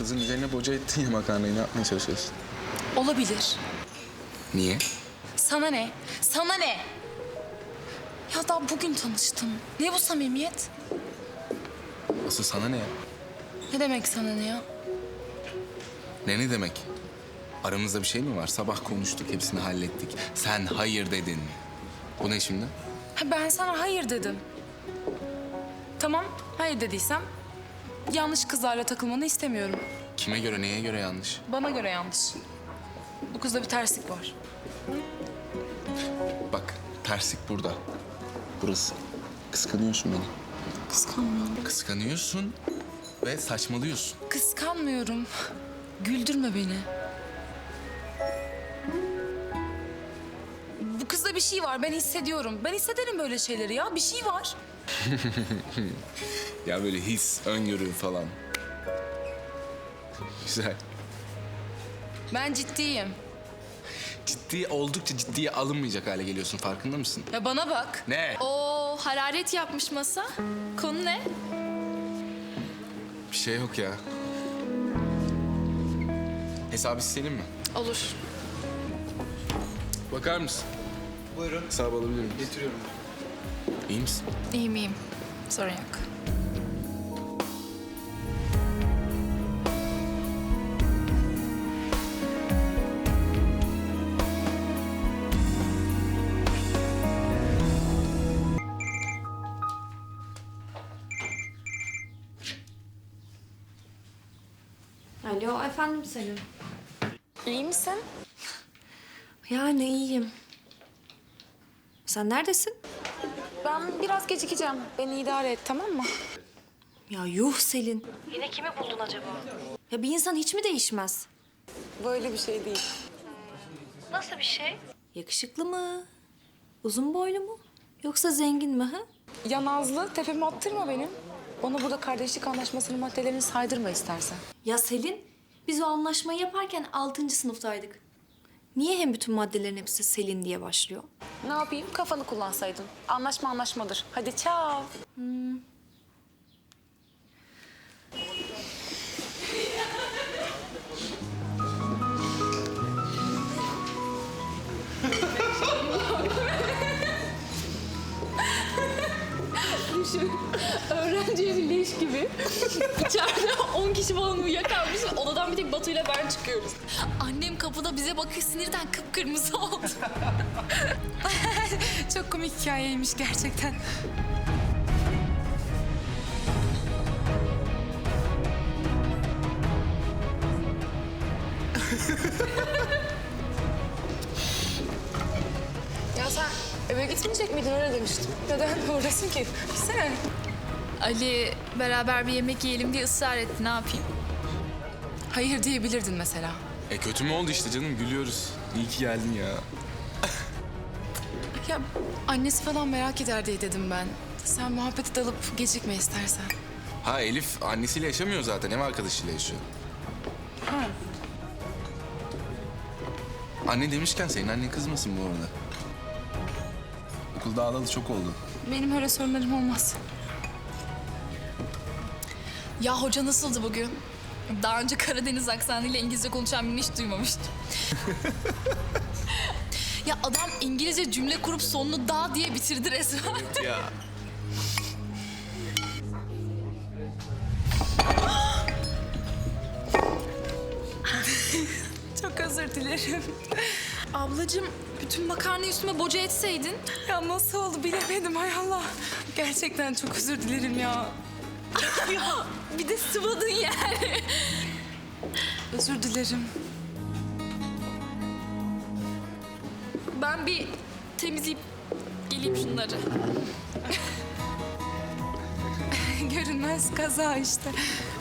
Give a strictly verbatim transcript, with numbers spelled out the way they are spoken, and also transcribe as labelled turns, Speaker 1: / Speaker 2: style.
Speaker 1: kızın üzerine boca ettin ya makarnayı. Ne yapmaya çalışıyorsun?
Speaker 2: Olabilir.
Speaker 1: Niye?
Speaker 2: Sana ne? Sana ne? Ya daha bugün tanıştım. Ne bu samimiyet?
Speaker 1: Asıl sana ne ya?
Speaker 2: Ne demek sana ne ya?
Speaker 1: Ne ne demek? Aramızda bir şey mi var? Sabah konuştuk, hepsini hallettik. Sen hayır dedin. Bu ne şimdi?
Speaker 2: Ha, ben sana hayır dedim. Tamam, hayır dediysem yanlış kızlarla takılmanı istemiyorum.
Speaker 1: Kime göre, neye göre yanlış?
Speaker 2: Bana göre yanlış. Bu kızda bir terslik var.
Speaker 1: Bak, terslik burada. Burası. Kıskanıyorsun beni.
Speaker 2: Kıskanmıyorum.
Speaker 1: Kıskanıyorsun ve saçmalıyorsun.
Speaker 2: Kıskanmıyorum. Güldürme beni. Bu kızda bir şey var, ben hissediyorum. Ben hissederim böyle şeyleri ya, bir şey var.
Speaker 1: Ya böyle his, öngörü falan. Güzel.
Speaker 2: Ben ciddiyim.
Speaker 1: Ciddi, oldukça ciddiye alınmayacak hale geliyorsun. Farkında mısın?
Speaker 2: Ya bana bak.
Speaker 1: Ne?
Speaker 3: Oo, hararet yapmış masa. Konu ne?
Speaker 1: Bir şey yok ya. Hesabı isteyelim mi?
Speaker 3: Olur.
Speaker 1: Bakar mısın?
Speaker 4: Buyurun.
Speaker 1: Hesabı alabilir miyim?
Speaker 4: Getiriyorum.
Speaker 1: İyi misin?
Speaker 3: İyiyim iyiyim. Sorun yok.
Speaker 5: Alo, efendim Selim.
Speaker 2: İyi misin?
Speaker 5: Yani iyiyim. Sen neredesin?
Speaker 2: Ben biraz gecikeceğim. Beni idare et, tamam mı?
Speaker 5: Ya yuh Selin. Yine kimi buldun acaba? Ya bir insan hiç mi değişmez?
Speaker 2: Böyle bir şey değil.
Speaker 5: Nasıl bir şey? Yakışıklı mı? Uzun boylu mu? Yoksa zengin mi ha?
Speaker 2: Ya Nazlı, tepemi attırma benim. Bana burada kardeşlik anlaşmasının maddelerini saydırma istersen.
Speaker 5: Ya Selin, biz o anlaşmayı yaparken altıncı sınıftaydık. Niye hem bütün maddelerin hepsi Selin diye başlıyor?
Speaker 2: Ne yapayım? Kafanı kullansaydın. Anlaşma anlaşmadır. Hadi çao.
Speaker 3: Öğrenci evi leş gibi. İçeride on kişi falan uyuyakalmış. Odadan bir tek Batu'yla ben çıkıyoruz. Annem kapıda bize bakıyor, sinirden kıpkırmızı oldu.
Speaker 2: Çok komik hikayeymiş gerçekten. Ya sen eve gitmeyecek miydin? Öyle demiştin. Neden buradasın ki? Gitsene.
Speaker 3: Ali beraber bir yemek yiyelim diye ısrar etti. Ne yapayım?
Speaker 2: Hayır diyebilirdin mesela.
Speaker 1: E kötü mü oldu işte canım? Gülüyoruz. İyi ki geldin ya.
Speaker 2: Ya annesi falan merak eder diye dedim ben. Sen muhabbete dalıp gecikme istersen.
Speaker 1: Ha Elif annesiyle yaşamıyor zaten. Ev arkadaşıyla yaşıyor.
Speaker 2: Ha.
Speaker 1: Anne demişken senin annen kızmasın bu arada. Okulda ağladı çok oldu.
Speaker 2: Benim öyle sorunlarım olmaz.
Speaker 3: Ya hoca nasıldı bugün? Daha önce Karadeniz aksanıyla İngilizce konuşan birini hiç duymamıştım. Ya adam İngilizce cümle kurup sonunu da diye bitirdi resmen.
Speaker 1: Ya.
Speaker 2: Çok özür dilerim.
Speaker 3: Ablacığım bütün makarnayı üstüme boca etseydin.
Speaker 2: Ya nasıl oldu bilemedim hay Allah. Gerçekten çok özür dilerim ya.
Speaker 3: Ya bir de sıvadın yani.
Speaker 2: Özür dilerim.
Speaker 3: Ben bir temizleyip geleyim şunları.
Speaker 2: Görünmez kaza işte.